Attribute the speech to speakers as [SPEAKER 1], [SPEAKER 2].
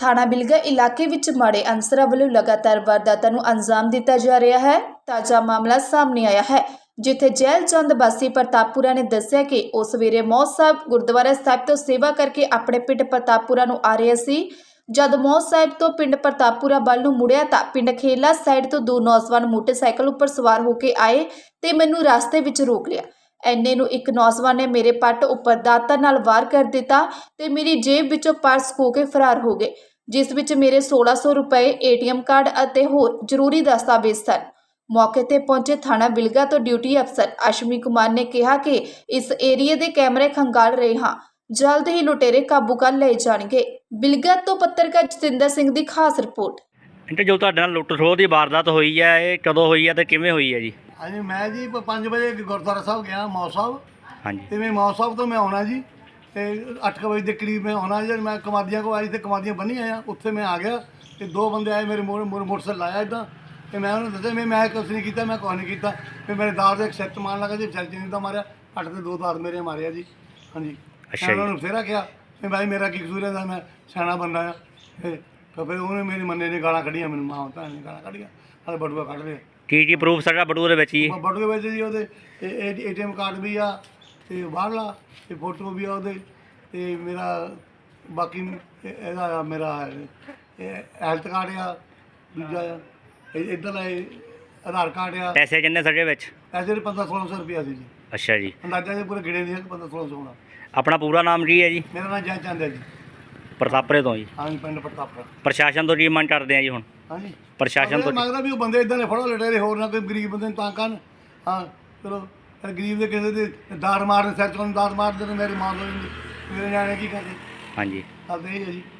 [SPEAKER 1] ਥਾਣਾ ਬਿਲਗਾ ਇਲਾਕੇ ਵਿੱਚ ਮਾੜੇ ਅਨਸਰਾਂ ਵੱਲੋਂ ਲਗਾਤਾਰ ਵਾਰਦਾਤਾਂ ਨੂੰ ਅੰਜਾਮ ਦਿੱਤਾ ਜਾ ਰਿਹਾ ਹੈ। ਤਾਜ਼ਾ ਮਾਮਲਾ ਸਾਹਮਣੇ ਆਇਆ ਹੈ, ਜਿੱਥੇ ਜੈਲ ਚੰਦ ਵਾਸੀ ਪ੍ਰਤਾਪਪੁਰਾ ਨੇ ਦੱਸਿਆ ਕਿ ਉਹ ਸਵੇਰੇ ਮੌਤ ਸਾਹਿਬ ਗੁਰਦੁਆਰਾ ਸਾਹਿਬ ਤੋਂ ਸੇਵਾ ਕਰਕੇ ਆਪਣੇ ਪਿੰਡ ਪ੍ਰਤਾਪਪੁਰਾ ਨੂੰ ਆ ਰਿਹਾ ਸੀ। ਜਦ ਮੌਤ ਸਾਹਿਬ ਤੋਂ ਪਿੰਡ ਪ੍ਰਤਾਪਪੁਰਾ ਵੱਲ ਨੂੰ ਮੁੜਿਆ ਤਾਂ ਪਿੰਡ ਖੇਲਾ ਸਾਈਡ ਤੋਂ ਦੋ ਨੌਜਵਾਨ ਮੋਟਰਸਾਈਕਲ ਉੱਪਰ ਸਵਾਰ ਹੋ ਕੇ ਆਏ ਤੇ ਮੈਨੂੰ ਰਸਤੇ ਵਿੱਚ ਰੋਕ ਲਿਆ। ਐਨੇ ਨੂੰ ਇੱਕ ਨੌਜਵਾਨ ਨੇ ਮੇਰੇ ਪੱਟ ਉੱਪਰ ਦਾਤਰ ਨਾਲ ਵਾਰ ਕਰ ਦਿੱਤਾ ਤੇ ਮੇਰੀ ਜੇਬ ਵਿੱਚੋਂ ਪਰਸ ਖੋਹ ਕੇ ਫਰਾਰ ਹੋ ਗਏ, ਜਿਸ ਵਿੱਚ ਮੇਰੇ 1600 ਰੁਪਏ ATM ਕਾਰਡ ਅਤੇ ਹੋਰ ਜ਼ਰੂਰੀ ਦਸਤਾਵੇਜ਼ ਸਨ। ਮੌਕੇ ਤੇ ਪਹੁੰਚੇ ਥਾਣਾ ਬਿਲਗਾ ਤੋਂ ਡਿਊਟੀ ਅਫਸਰ ਅਸ਼ਮੀ ਕੁਮਾਰ ਨੇ ਕਿਹਾ ਕਿ ਇਸ ਏਰੀਏ ਦੇ ਕੈਮਰੇ ਖੰਗਾਲ ਰਹੇ ਹਾਂ, ਜਲਦ ਹੀ ਲੁਟੇਰੇ ਕਾਬੂ ਕਰ ਲਏ ਜਾਣਗੇ। ਬਿਲਗਾ ਤੋਂ ਪੱਤਰਕਾਰ ਜਤਿੰਦਰ ਸਿੰਘ ਦੀ ਖਾਸ ਰਿਪੋर्ट।
[SPEAKER 2] ਇੰਟਰ ਜੋ ਤੁਹਾਡੇ ਨਾਲ ਲੁੱਟ ਖੋਹ ਦੀ ਵਾਰਦਾਤ ਹੋਈ ਹੈ, ਇਹ ਕਦੋਂ ਹੋਈ ਹੈ ਤੇ ਕਿਵੇਂ ਹੋਈ ਹੈ ਜੀ?
[SPEAKER 3] ਹਾਂਜੀ, ਮੈਂ ਜੀ 5 ਵਜੇ ਗੁਰਦੁਆਰਾ ਸਾਹਿਬ ਗਿਆ ਮੌਤ ਸਾਹਿਬ।
[SPEAKER 2] ਹਾਂਜੀ,
[SPEAKER 3] ਤੇ ਮੈਂ ਮੌਤ ਸਾਹਿਬ ਤੋਂ ਮੈਂ ਆਉਣਾ ਜੀ ਤੇ 8 ਵਜੇ ਦੇ ਕਰੀਬ ਮੈਂ ਆਉਣਾ ਜੀ। ਮੈਂ ਕਮਾਦੀਆਂ ਕੋ ਆਈ ਤੇ ਕਮਾਦੀਆਂ ਬੰਨੀ ਆਇਆ, ਉੱਥੇ ਮੈਂ ਆ ਗਿਆ ਤੇ ਦੋ ਬੰਦੇ ਆਏ ਮੇਰੇ ਮੋਟਰਸਾਈਕਲ ਲਾਇਆ ਇੱਦਾਂ ਤੇ ਮੈਂ ਉਹਨੂੰ ਦੱਸਿਆ ਮੈਂ ਕੁਛ ਨਹੀਂ ਕੀਤਾ, ਮੈਂ ਕੁਛ ਨਹੀਂ ਕੀਤਾ। ਫਿਰ ਮੇਰੇ ਦਾਦ ਦੇ ਇੱਕ ਸੈੱਟ ਮਾਰਨ ਲੱਗਾ ਜੀ, ਚਰਚੇ ਦਾ ਮਾਰਿਆ 8 ਤੇ 2 ਦਾਦ ਮੇਰੇ ਮਾਰਿਆ ਜੀ। ਹਾਂਜੀ,
[SPEAKER 2] ਅੱਛਾ ਜੀ।
[SPEAKER 3] ਉਹਨਾਂ ਨੂੰ ਫੇਰਾ ਕਿਹਾ ਵੀ ਭਾਈ ਮੇਰਾ ਕੀ ਕਸੂਰ ਹੈ, ਮੈਂ ਸਿਆਣਾ ਬੰਦਾ ਆ। ਫਿਰ ਉਹਨੇ ਮੇਰੀ ਮੰਨੇ ਨੇ ਗਾਲਾਂ ਕੱਢੀਆਂ, ਮੈਨੂੰ ਮਾਂ ਭੈਣ ਨੇ ਗਾਲਾਂ ਕੱਢੀਆਂ, ਹਾਲੇ ਬਟੂਆ ਕੱਢ ਰਹੇ।
[SPEAKER 2] ਕੀ ਪ੍ਰੂਫ ਸਾਡਾ ਬਟੂਏ ਦੇ ਵਿੱਚ ਜੀ?
[SPEAKER 3] ਬਟੂਏ ਵਿੱਚ ਜੀ ਉਹਦੇ ATM ਕਾਰਡ ਵੀ ਆ ਤੇ ਬਾਹਰਲਾ ਤੇ ਫੋਟੋ ਵੀ ਆ ਉਹਦੇ ਤੇ ਮੇਰਾ ਬਾਕੀ ਇਹਦਾ ਮੇਰਾ ਹੈਲਥ ਕਾਰਡ ਆ, ਦੂਜਾ ਆ ਇੱਧਰ ਆਧਾਰ ਕਾਰਡ ਆ।
[SPEAKER 2] ਪੈਸੇ ਕਿੰਨੇ ਸਾਡੇ ਵਿੱਚ?
[SPEAKER 3] ਪੈਸੇ 1500-1600 ਰੁਪਇਆ ਸੀ ਜੀ।
[SPEAKER 2] ਅੱਛਾ ਜੀ,
[SPEAKER 3] ਅੰਦਾਜ਼ਾ ਜੇ ਪੂਰੇ ਗਿਣੇ ਨਹੀਂ ਹੈ 1500-1600 ਹੋਣਾ।
[SPEAKER 2] ਆਪਣਾ ਪੂਰਾ ਨਾਮ ਕੀ ਹੈ ਜੀ?
[SPEAKER 3] ਮੇਰਾ ਨਾਮ ਜੈ ਚੰਦ ਹੈ ਜੀ।
[SPEAKER 2] ਪ੍ਰਤਾਪਰੇ ਤੋਂ ਜੀ।
[SPEAKER 3] ਹਾਂਜੀ, ਪਿੰਡ ਪ੍ਰਤਾਪਰਾ।
[SPEAKER 2] ਪ੍ਰਸ਼ਾਸਨ ਤੋਂ ਕੀ ਮੰਗ ਕਰਦੇ ਆ ਜੀ ਹੁਣ?
[SPEAKER 3] ਹਾਂਜੀ,
[SPEAKER 2] ਪ੍ਰਸ਼ਾਸਨ ਤੋਂ
[SPEAKER 3] ਮੰਗਦਾ ਵੀ ਉਹ ਬੰਦੇ ਇਦਾਂ ਨੇ ਫੜੋ ਲਟੇਰੇ, ਹੋਰ ਨਾ ਕੋਈ ਗਰੀਬ ਬੰਦੇ ਨੂੰ ਤਾਂ ਕਰਨ। ਹਾਂ ਚਲੋ, ਗਰੀਬ ਦੇ ਕਿਸੇ ਦੇ ਦਾਰ ਮਾਰਦੇ, ਸਿਰ 'ਚ ਦਾਰ ਮਾਰਦੇ ਨੇ, ਮੇਰੀ ਮਾਂ ਤੋਂ ਮੇਰੇ ਨਿਆਣੇ ਕੀ ਕਰਦੇ?
[SPEAKER 2] ਹਾਂਜੀ,
[SPEAKER 3] ਕਰਦੇ ਇਹ ਹੈ ਜੀ।